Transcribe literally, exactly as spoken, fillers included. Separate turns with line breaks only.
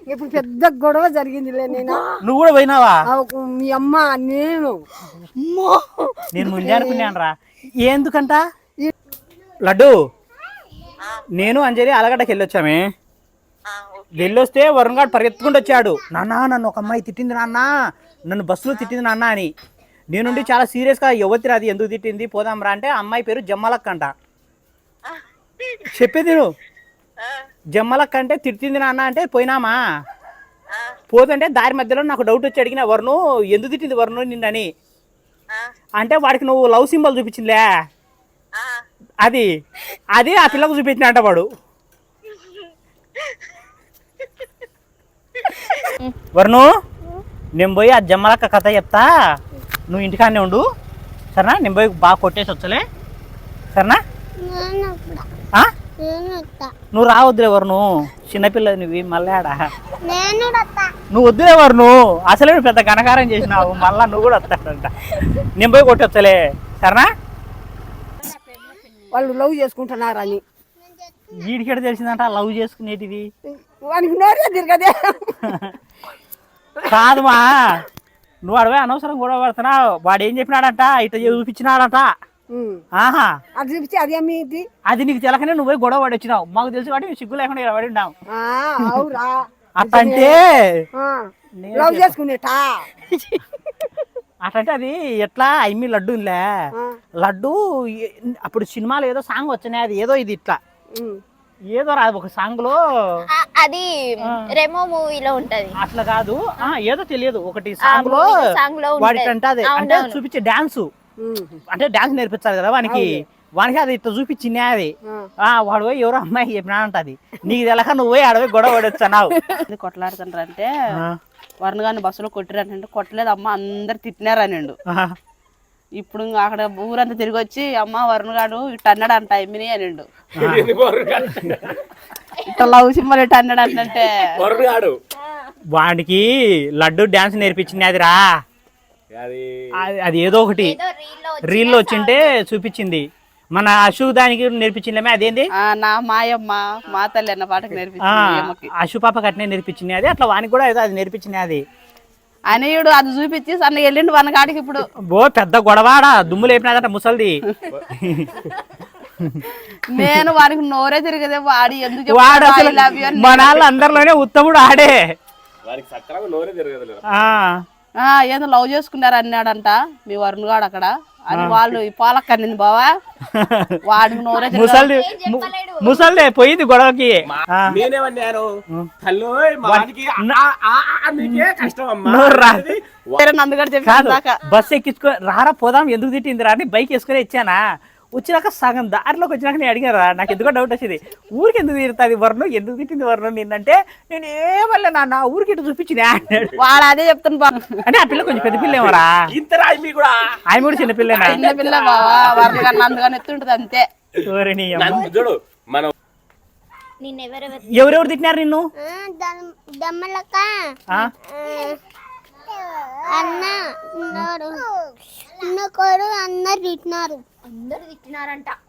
ఇప్పుడు పెద్ద గొడవ జరిగిందిలే. నేను
నువ్వు కూడా పోయినావా?
మీ అమ్మ నేను
నేను ముందే అనుకున్నాను రా. ఎందుకంట లడ్డు నేను అంజలి ఆలగడ్డకి వెళ్ళొచ్చామే. వెళ్ళొస్తే వరుణ్ గారు పరిగెత్తుకుంటూ వచ్చాడు. నాన్న నన్ను ఒక అమ్మాయి తిట్టింది నాన్న, నన్ను బస్సులో తిట్టింది నాన్న అని. నేనుండి చాలా సీరియస్గా యువతి రాది ఎందుకు తిట్టింది పోదాం రా అంటే అమ్మాయి పేరు జమ్మలక్క అంట. చెప్పేది నువ్వు జమ్మలక్క అంటే తిట్టింది నాన్న అంటే పోయినామా. పోతుంటే దారి మధ్యలో నాకు డౌట్ వచ్చి అడిగిన వరుణు ఎందుకు తిట్టింది వరుణు నిన్నని అంటే వాడికి నువ్వు లవ్ సింబల్ చూపించిందిలే అది అది ఆ పిల్లకు చూపించిన అంట వాడు. వరుణు నేను పోయి ఆ జమ్మలక్క కథ చెప్తా, నువ్వు ఇంటికాడనే ఉండు సరేనా? నేను పోయి బాగా కొట్టేసి వచ్చలే సరేనా? నువ్వు రావద్దులే వరుణు, చిన్నపిల్లది నువ్వు మళ్ళీ ఆడ నువ్వు వద్దులే వరుణు, అసలే నువ్వు పెద్ద ఘనకారం చేసినావు మళ్ళా నువ్వు కూడా వస్తాడంట. నేను పోయి కొట్టొచ్చలే సరేనా?
వాళ్ళు లవ్ చేసుకుంటున్నారు అని
వీడికెడ తెలిసిందంట లవ్ చేసుకునేటివి.
వానికి నోరే తిరగదే.
కాదుమా నువ్వు అడవే అనవసరం గొడవ పడుతున్నావు. వాడు ఏం చెప్పినాడంట ఇట్లా చూపించినాడంట. ఆహా
అది చూపించి అది అమ్మేది
అది నీకు తెలకనే నువ్వు పోయి గొడవ పడి వచ్చినావు. మాకు తెలుసు కాబట్టి సిగ్గు లేకుండా ఇలా పడి ఉన్నావు. అట్టంటే
లవ్ చేసుకునేట
అట్టంటే అది ఎట్లా ఐమి లడ్డూలే లడ్డు అప్పుడు సినిమాలో ఏదో సాంగ్ వచ్చినాయి, అది ఏదో ఇది ఇట్లా ఏదో రాదు ఒక సాంగ్ లో,
అది రెమో మూవీలో ఉంటది.
అట్లా కాదు ఏదో తెలియదు ఒకటి సాంగ్ లో వాడికంట అది అంటే చూపించే డాన్స్ అంటే డాన్స్ నేర్పించాలి కదా వానికి. వానికి అది ఇట్లా చూపించింది అది. వాడు పోయి ఎవరో అమ్మాయి చెప్పినాడంట అది నీకు తెలక నువ్వు పోయి ఆడపోయి గొడవ పడొచ్చావు.
కొట్లాడుతుంటారు అంటే వరుణ్ గారిని బస్సులో కొట్టిరంటే కొట్టలేదు అమ్మ అందరు తిట్టినారనిండు. ఇప్పుడు అక్కడ ఊరంతా తిరిగి వచ్చి అమ్మ వరుణ్ గారు ఇట్లా అన్నాడు అంట ఎమ్మిని అనిండు. ఇట్లా లవ్ సింబల్ ఇట్లా అన్నాడు అంటే
వాడికి లడ్డు డాన్స్ నేర్పించింది అదిరా. అది ఏదో ఒకటి రీల్లో వచ్చింటే చూపించింది. మన అశు దానికి నేర్పించింది అదేంది
నా మాయమ్మ మా తల్లి అన్న పాటకు నేర్పించింది.
అశు పాప కట్నే నేర్పించింది అది. అట్లా వానికి కూడా ఏదో అది నేర్పించింది అది.
అనేయుడు అది చూపించి సన్న వెళ్ళిండు వన కాడికి. ఇప్పుడు
బో పెద్ద గొడవాడా దుమ్ము లేపినాదట ముసలిది.
నేను వానికి నోరే తిరిగదే వాడి ఎందుకు
మన వాళ్ళు అందరిలోనే ఉత్తముడు ఆడే.
ఏదో లవ్ చేసుకున్నారు అన్నాడంట మీ వరుణ్ గాడు అక్కడ అని వాళ్ళు పాలక్క అనింది బావా వాడికి నోరే
ముసలి ముసలిదే పోయింది గొడవకి. బస్ ఎక్కించుకో రారా పోదాం ఎందుకు తిట్టింది రా అని బైక్ వేసుకుని ఇచ్చానా. వచ్చినాక సగం దారిలోకి వచ్చినాక నేను అడిగారా నాకు ఎందుకో డౌట్ వచ్చింది ఊరికి ఎందుకు తిరుగుతుంది వర్ణం ఎందుకు తిట్టింది వర్ణం నిన్నంటే నేను ఏమల్లే నాన్న ఊరికి ఇటు చూపించిన
వాడు అదే చెప్తాను.
అంటే ఆ పిల్ల కొంచెం పెద్ద పిల్ల ఏమరా ఆయన కూడా చిన్న పిల్ల
చిన్న పిల్ల బావా వర్ణ కన్నా అందుకని ఎత్తుంటది అంతే.
ఎవరెవరు తిట్టినారు నిన్ను?
అందరు తిట్టినారు అందరు తిట్టినారంట.